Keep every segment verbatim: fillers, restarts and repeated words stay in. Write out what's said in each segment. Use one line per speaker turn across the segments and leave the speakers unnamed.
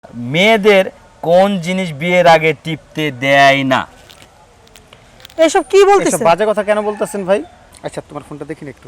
মেয়েদের কোন জিনিস বিয়ের আগে টিপতে দেয় না?
এসব কি
এসব
বলতেছেন?
বাজে কথা কেন বলতেছেন ভাই? আচ্ছা তোমার ফোনটা দেখিন একটু,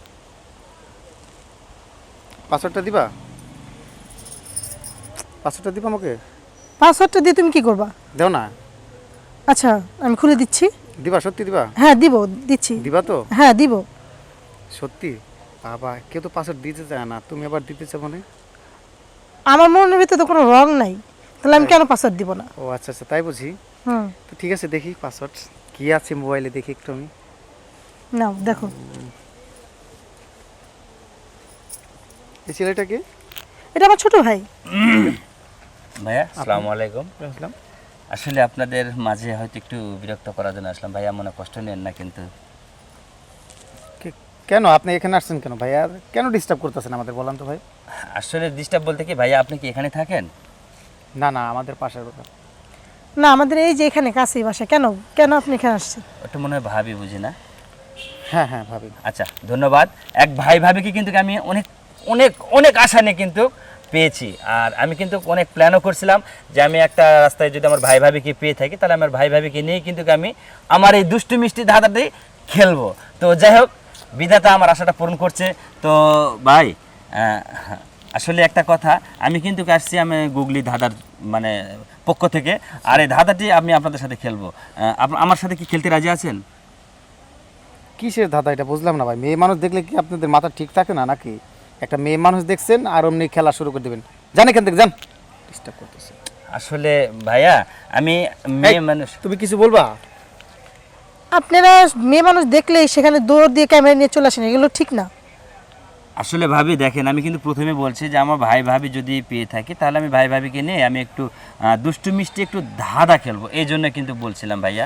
পাসওয়ার্ডটা দিবা, পাসওয়ার্ডটা দিবা আমাকে।
পাসওয়ার্ডটা দিয়ে তুমি কি করবা?
দাও না।
আচ্ছা আমি খুলে দিচ্ছি।
দিবা? সত্যি দিবা?
হ্যাঁ দিব, দিচ্ছি।
দিবা তো?
হ্যাঁ দিব।
সত্যি? বাবা, কেউ তো পাসওয়ার্ড দিতে চায় না, তুমি আবার দিতে চাও মানে?
আমার মনের ভিতরে তো কোনো রং নাই, তাহলে আমি কেন পাসওয়ার্ড দিব না?
ও আচ্ছা আচ্ছা, তাই বুঝি।
হুম,
তো ঠিক আছে, দেখি পাসওয়ার্ড কি আছে মোবাইলে, দেখি একটু আমি।
নাও দেখো।
এই ছেলেটাকে?
এটা আমার ছোট ভাই।
ভাইয়া আসসালামু আলাইকুম।
আসলাম।
আসলে আপনাদের মাঝে হয়তো একটু বিরক্ত করার জন্য আসলাম ভাইয়া, মনে কষ্ট নেন না কিন্তু।
কে- কেন আপনি এখানে আসছেন কেন ভাই? আর কেন ডিস্টার্ব করতেছেন আমাদের, বলেন তো ভাই।
আসলে ডিস্টার্ব বলতে কি ভাইয়া, আপনি কি এখানে থাকেন?
না না, আমাদের পাশের কথা।
না আমাদের এই যে এখানে কাছেই বাসা। কেন কেন আপনি এখানে আসছেন?
ওটা মনে হয় ভাবি, বুঝি না?
হ্যাঁ হ্যাঁ ভাবি।
আচ্ছা ধন্যবাদ। এক ভাই ভাবিকে কিন্তু আমি অনেক অনেক অনেক আশা নিয়ে কিন্তু পেয়েছি, আর আমি কিন্তু অনেক প্ল্যানও করছিলাম যে আমি একটা রাস্তায় যদি আমার ভাই ভাবিকে পেয়ে থাকি তাহলে আমার ভাই ভাবিকে নিয়ে কিন্তু আমি আমার এই দুষ্টু মিষ্টি ধাঁধাটি খেলবো। তো যাই হোক, বিধাতা আমার আশাটা পূরণ করছে। তো ভাই আহ, আসলে একটা কথা, আমি কিন্তু আসছি আমি গুগলি ধাঁধার মানে পক্ষ থেকে, আর এই ধাঁধাটি আমি আপনাদের সাথে খেলবো। আহ, আপ- আমার সাথে কি খেলতে রাজি আছেন?
কিসের ধাঁধা এটা বুঝলাম না ভাই। মেয়ে মানুষ দেখলে কি আপনাদের মাথা ঠিক থাকে না নাকি? একটা মেয়ে মানুষ দেখছেন আর অমনি খেলা শুরু করে দেবেন? জান এখান থেকে, যান। ডিস্টার্ব করতেছে।
আসলে ভাইয়া আমি মেয়ে
এই,
মানুষ।
তুমি কিছু বলবা?
আপনারা মেয়ে মানুষ দেখলেই সেখানে দৌড় দিয়ে ক্যামেরা নিয়ে চলে আসেন, এগুলো ঠিক না।
আসলে ভাবি দেখেন, আমি কিন্তু প্রথমে বলছি যে আমার ভাই ভাবি যদি পেয়ে থাকি তাহলে আমি ভাই ভাবিকে নিয়ে আমি একটু আহ, দুষ্টু মিষ্টি একটু ধাঁধা খেলবো, এই জন্য কিন্তু বলছিলাম ভাইয়া।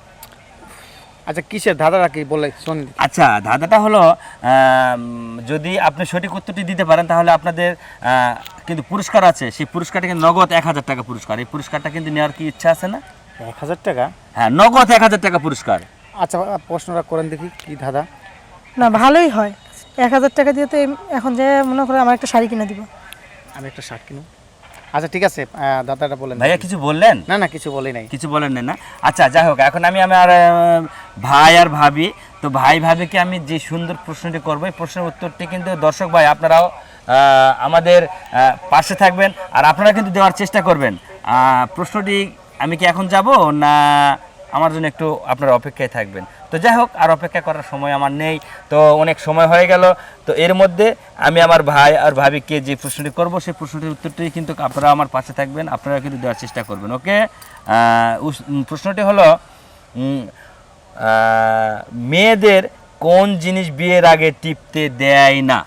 আচ্ছা কিসের ধাঁধাটা কি বলে শুনি।
আচ্ছা ধাঁধাটা হলো আম, যদি আপনি সঠিক উত্তরটি দিতে পারেন তাহলে আপনাদের আহ, কিন্তু পুরস্কার আছে, সেই পুরস্কারটা কিন্তু নগদ এক হাজার টাকা পুরস্কার। এই পুরস্কারটা কিন্তু নেওয়ার কি ইচ্ছা আছে না?
এক হাজার টাকা?
হ্যাঁ, নগদ এক হাজার টাকা পুরস্কার।
আচ্ছা প্রশ্নটা করেন দেখি, কি ধাঁধা?
না ভালোই হয়। এক হাজার টাকা দিয়ে তো এম- এখন যে মনে করে আমার একটা শাড়ি কিনে দিব।
আমি একটা শার্ট কিনো। আচ্ছা ঠিক আছে, আহ, ধাঁধাটা বলেন।
ভাইয়া কিছু বললেন?
না না, কিছু বলি নাই।
কিছু বলেন না? আচ্ছা যাই হোক, এখন আমি আমার আহ, ভাই আর ভাবি, তো ভাই ভাবিকে আমি যে সুন্দর প্রশ্নটি করবো এই প্রশ্নের উত্তরটি কিন্তু দর্শক ভাই আপনারাও আহ, আমাদের আহ, পাশে থাকবেন আর আপনারা কিন্তু দেওয়ার চেষ্টা করবেন। আহ, প্রশ্নটি আমি কি এখন যাব না আমার জন্য একটু আপনারা অপেক্ষায় থাকবেন? তো যাই হোক, আর অপেক্ষা করার সময় আমার নেই, তো অনেক সময় হয়ে গেল। তো এর মধ্যে আমি আমার ভাই আর ভাবিকে যে প্রশ্নটি করব সেই প্রশ্নটির উত্তরটি কিন্তু আপনারা আমার পাশে থাকবেন, আপনারা কিন্তু দেওয়ার চেষ্টা করবেন। ওকে, প্রশ্নটি হলো উম, আহ, মেয়েদের কোন জিনিস বিয়ের আগে টিপতে দেয় না?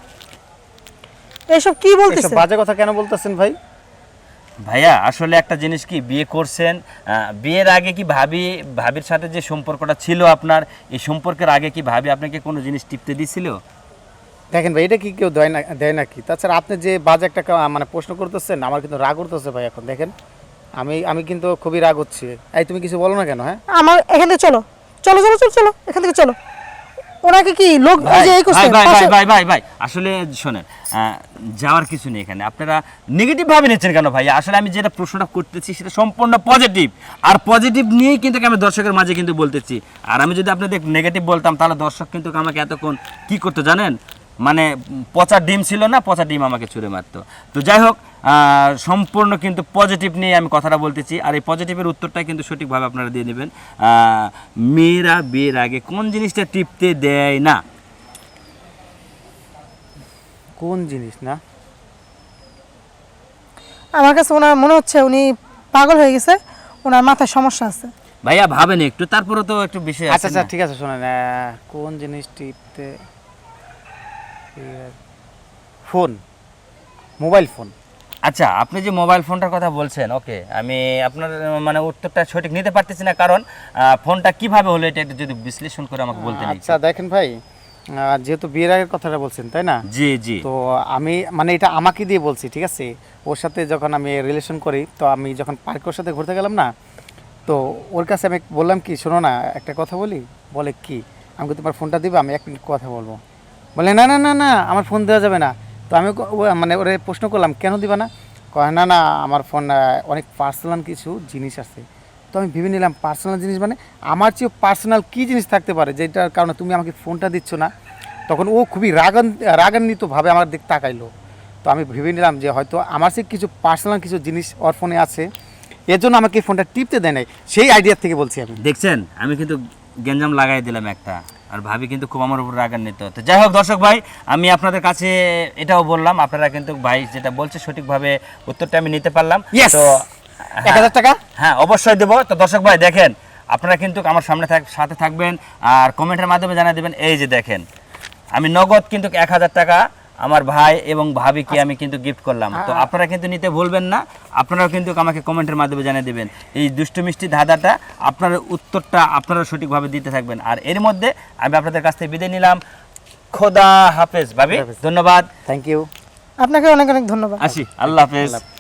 এসব কি
এসব
বলতেছেন?
বাজে কথা কেন বলতেছেন ভাই?
ভাইয়া আসলে একটা জিনিস কি, বিয়ে করছেন, আহ, বিয়ের আগে কি ভাবি ভাবির সাথে যে সম্পর্কটা ছিল আপনার, এই সম্পর্কের আগে কি ভাবি আপনাকে কোনো জিনিস টিপতে দিছিল?
দেখেন ভাই, এটা কি কেউ দেয় না দেয় নাকি? তাছাড়া আপনি যে বাজে একটা কা- মানে প্রশ্ন করতেছেন, আমার কিন্তু রাগ করতেছে ভাই। এখন দেখেন আমি আমি কিন্তু খুবই রাগ হচ্ছে। এই তুমি কিছু বলো না কেন? হ্যাঁ
আমার এখান থেকে চলো চলো চলো চলো চলো এখান থেকে চলো। ওনাকে কি লোক এই
ভাই
যে এই করছে
ভাই ভাই ভাই
পাশে-
ভাই ভাই ভাই আসলে শোনেন, আহ, যাওয়ার কিছু নেই এখানে, আপনারা নেগেটিভ ভাবে নিচ্ছেন কেন ভাই? আসলে আমি যেটা প্রশ্নটা করতেছি সেটা সম্পূর্ণ পজিটিভ, আর পজিটিভ নিয়েই কিন্তু আমি দর্শকের মাঝে কিন্তু বলতেছি। আর আমি যদি আপনাদের নেগেটিভ বলতাম তাহলে দর্শক কিন্তু আমাকে এতক্ষণ কি করতো জানেন, মানে উম, পচা ডিম ছিল না, পচা ডিম আমাকে ছুঁড়ে মারতো। তো যাই হোক, আহ, সম্পূর্ণ কিন্তু পজিটিভ নিয়ে আমি কথাটা বলতেছি, আর এই পজিটিভের উত্তরটা কিন্তু সঠিকভাবে আপনারা দিয়ে নেবেন। আহ, মেয়েরা বিয়ের আগে কোন জিনিসটা টিপতে দেয় না?
কোন জিনিস না?
আমার কাছে ওনার মনে হচ্ছে উনি পাগল হয়ে গেছে, ওনার মাথায় সমস্যা আছে।
ভাইয়া ভাবেন একটু, তারপরে তো একটু বিষয়
আচ্ছা
আছে
আচ্ছা
না?
ঠিক আছে, শোনেন, আহ, কোন জিনিস টিপতে? Phone, mobile phone.
আচ্ছা আপনি যে মোবাইল ফোনটার কথা বলছেন, ওকে, আমি আপনার আহ, মানে উত্তরটা সঠিক নিতে পারতেছি না, কারণ আহ, ফোনটা কিভাবে হলো এটা একটু যদি বিশ্লেষণ করে আমাকে বলতে নেই।
আচ্ছা দেখেন ভাই, আহ, যেহেতু বিয়ের আগের কথাটা বলছেন তাই না?
জি জি।
তো আমি মানে এটা আমাকে দিয়ে বলছি, ঠিক আছে? ওর সাথে যখন আমি রিলেশন করি, তো আমি যখন পার্কে ওর সাথে ঘুরতে গেলাম না, তো ওর কাছে আমি বললাম কি, শোনো না একটা কথা বলি। বলে কি? আমাকে তোমার ফোনটা দিবে, আমি এক মিনিট কথা বলবো। বলে না না না না, আমার ফোন দেওয়া যাবে না। তো আমি ও- ও- মানে ওরে প্রশ্ন করলাম কেন দিবা না? কয় না না আমার ফোন অনেক পার্সোনাল কিছু জিনিস আছে। তো আমি ভেবে নিলাম পার্সোনাল জিনিস মানে আমার চেয়েও পার্সোনাল কী জিনিস থাকতে পারে যেটার কারণে তুমি আমাকে ফোনটা দিচ্ছ না। তখন ও খুবই রাগান রাগান্বিতভাবে আমার দিক তাকাইলো। তো আমি ভেবে নিলাম যে হয়তো আমার চেয়ে কিছু পার্সোনাল কিছু জিনিস ওর ফোনে আছে, এর জন্য আমাকে ফোনটা টিপতে দেয় নাই। সেই আইডিয়ার থেকে বলছি আমি।
দেখছেন আমি কিন্তু গেঞ্জাম লাগাই দিলাম একটা, আর ভাবি কিন্তু খুব আমার উপর রাগান্বিত। তো যাই হোক দর্শক ভাই, আমি আপনাদের কাছে এটাও বললাম, আপনারা কিন্তু ভাই যেটা বলছে সঠিকভাবে উত্তরটা আমি নিতে পারলাম।
Yes!
তো
এক হাজার টাকা
হ্যাঁ অবশ্যই দেবো। তো দর্শক ভাই দেখেন, আপনারা কিন্তু আমার সামনে থাক সাথে থাকবেন আর কমেন্টের মাধ্যমে জানিয়ে দেবেন। এই যে দেখেন আমি নগদ কিন্তু এক হাজার টাকা আমার ভাই এবং ভাবিকে আমি কিন্তু গিফট করলাম। তো আপনারা কিন্তু নিতে ভুলবেন না, আপনারাও কিন্তু আমাকে কমেন্টের মাধ্যমে জানিয়ে দেবেন এই দুষ্টু মিষ্টি ধাঁধাটা, আপনার উত্তরটা আপনারা সঠিকভাবে দিতে থাকবেন। আর এর মধ্যে আমি আপনাদের কাছ থেকে বিদায় নিলাম। খোদা হাফেজ ভাবি, ধন্যবাদ,
থ্যাংক ইউ।
আপনাকে অনেক অনেক ধন্যবাদ।
আসি, আল্লাহ হাফেজ।